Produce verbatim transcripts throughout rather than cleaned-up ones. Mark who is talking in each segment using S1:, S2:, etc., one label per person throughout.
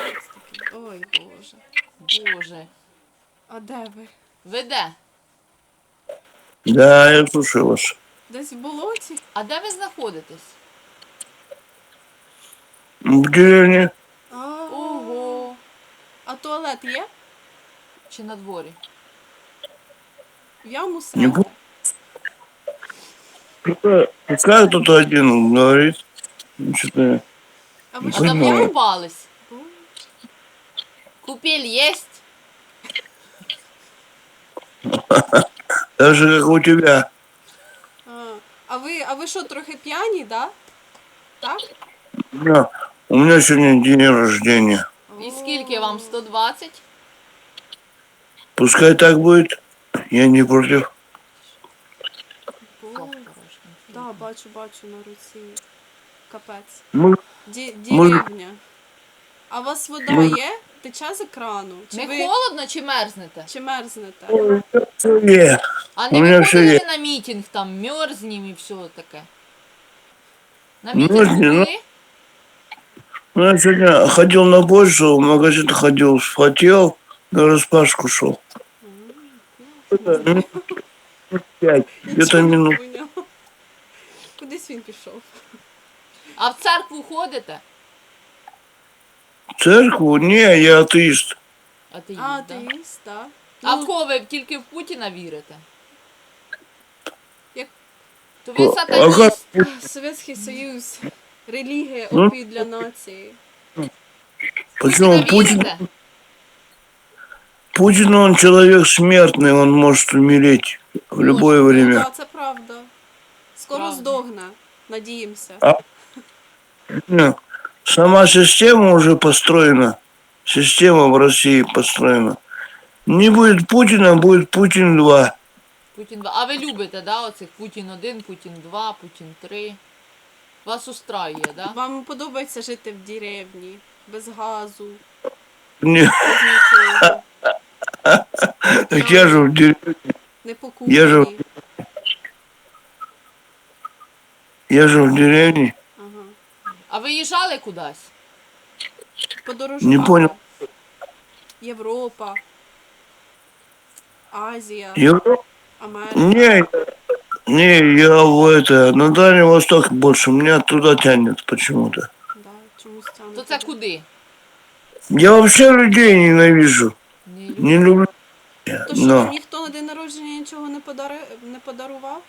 S1: такий. Ой, Боже.
S2: Боже.
S1: А де ви?
S2: Ви де?
S3: Да, я слушаю вас.
S1: Десь в болоті?
S2: А де ви знаходитесь?
S3: В деревне.
S1: А,
S2: Ого.
S1: а туалет є?
S2: Чи на дворі?
S1: В яму
S3: Не
S1: срати?
S3: помню. Пускай пускай кто-то один говорит. Что-то...
S1: А ви
S2: А
S1: що?
S2: давно
S3: Понимаю.
S2: купались?
S1: Боже.
S2: Купель єсть?
S3: Так же, как у тебя.
S1: А, а ви, а ви що, трохи п'яні, да? Так?
S3: Да. У меня сегодня день рождения.
S2: І скільки вам? сто двадцять?
S3: Пускай так будет. Я не против.
S1: Боже. Да, бачу, бачу на руці. Капець.
S3: Мы,
S1: Ді,
S3: Може-
S1: деревня. А у вас вода
S3: Може-
S1: є? Тече з екрану? Чи
S2: Не
S1: ви
S2: холодно чи мерзнете?
S1: чи мерзнете?
S3: Е,
S2: А
S3: У
S2: не
S3: мене все
S2: виходили
S3: є.
S2: ви на мітинг, там, мерзнем і все таке? На
S3: Мерзнем,
S2: мітингу
S3: ну.
S2: були?
S3: Ну, я сегодня ходил на почту, в магазин ходил, вспотел, на распашку шел. Минут пять, где-то минут.
S1: Поняла. Кудись він пішов.
S2: А в церкву ходите?
S3: В церкву? Не, я атеист.
S2: Атеїст,
S1: А,
S2: да?
S1: атеїст, так.
S2: А
S1: Ну,
S2: в кого ви тільки в Путіна вірите?
S1: Як-
S2: То ви
S3: А
S2: сатаніст.
S1: Совєтський Союз, релігія,
S3: Ну.
S1: опій для нації.
S3: Почему
S2: Путіна
S3: Путин?
S2: вірите?
S3: Путин, он человек смертный, он может умереть в любое
S1: Ну,
S3: время.
S1: так, це правда. Скоро
S2: Правда.
S1: здохне, надіємося.
S3: А? Не, Сама система уже построена. Система в России построена. Не будет Путина, будет Путин два.
S2: Путін два. А ви любите, да, оцих Путін один, Путін два, Путін три? Вас устраює, да?
S1: Вам подобається жити в деревні, без газу,
S3: Не,
S1: без нічого,
S3: так я же в деревне.
S1: не
S3: Я ж-
S1: покупані.
S3: Я же в деревне.
S1: Ага.
S2: А ви їжджали кудись?
S1: Подорожували.
S3: Не понял.
S1: Європа, Азія,
S3: Европа?
S1: Америка.
S3: Не, не, я в это, на Дальний Восток больше, меня туда тянет почему-то.
S1: Да, чомусь тягне
S2: То це
S1: туди.
S2: куди?
S3: Я вообще людей ненавижу,
S2: Не люблю.
S3: не люблю.
S1: То що,
S3: Но
S1: вам ніхто на день народження нічого не, подари... не подарував?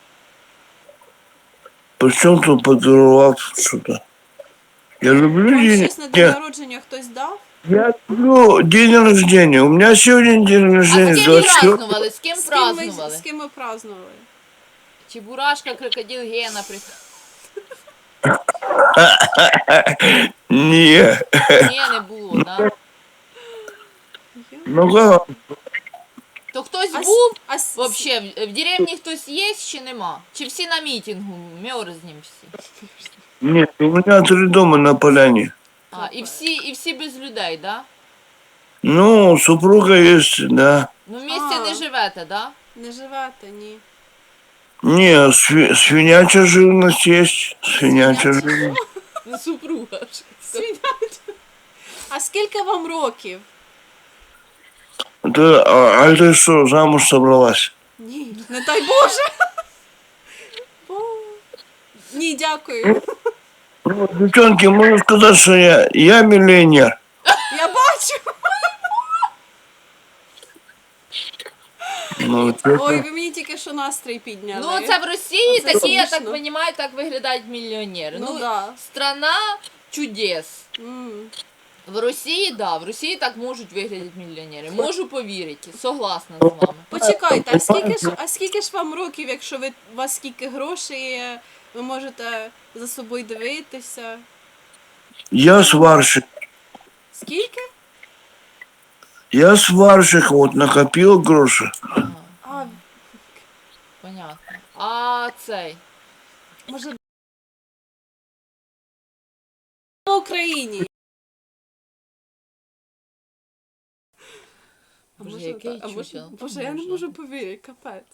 S3: причем тут подарував что-то. Я люблю
S1: Вам
S3: день,
S1: щось на день
S3: я,
S1: народження хтось дав?
S3: я люблю день рождения. У меня сегодня день
S2: А
S3: рождения,
S2: з ким
S3: двадцать четвёртого.
S2: празднували? З ким
S1: З ким, ви,
S2: празднували?
S1: з ким ви празднували?
S2: Чебурашка, крокодил Гена, при...
S3: Не,
S2: Ні, не було, да?
S3: ну как?
S2: То хтось
S1: А, с-
S2: був?
S1: а, с-
S2: Вообще, в в деревні хтось є чи нема? Чи всі на мітингу? Мерзнем всі.
S3: Нет, у меня три дома на поляне.
S2: А, і всі, і всі без людей, да?
S3: Ну, супруга есть, да.
S2: Ну, в місті
S1: А.
S2: не живете, да?
S1: Не живете, ні.
S3: Не, сви- свинячая живность есть. Свинячая
S1: Свиняча?
S3: живность.
S2: Ну, супруга ж.
S1: А скільки вам років?
S3: Да, а, а ты что, замуж собралась?
S1: Ні, не дай Боже. Бо- Ні, дякую.
S3: Ну, девчонки, можно сказать, что я, я миллионер.
S1: Я бачу.
S3: Ну,
S1: Ой, ви мені тільки що настрій підняли.
S2: Ну, це в Росії
S1: Це
S2: такі, я так
S1: смішно.
S2: розумію, так виглядають мільйонери.
S1: Ну,
S2: Ну,
S1: да.
S2: страна чудес.
S1: М.
S2: В Росії, да, в Росії так можуть виглядати мільйонери. Можу повірити, согласна з вами.
S1: Почекайте, а скільки ж, а скільки ж вам років, якщо ви, у вас скільки грошей є, ви можете за собою дивитися?
S3: я сварщик.
S1: Скільки?
S3: Я сварщик, вот, накопил гроши.
S2: Ага,
S1: А,
S2: понятно. А цей.
S1: може, в Україні. А
S2: Боже,
S1: може,
S2: який
S1: так? А може,
S2: чучел.
S1: Боже, я не
S2: Боже.
S1: можу повірити, капець.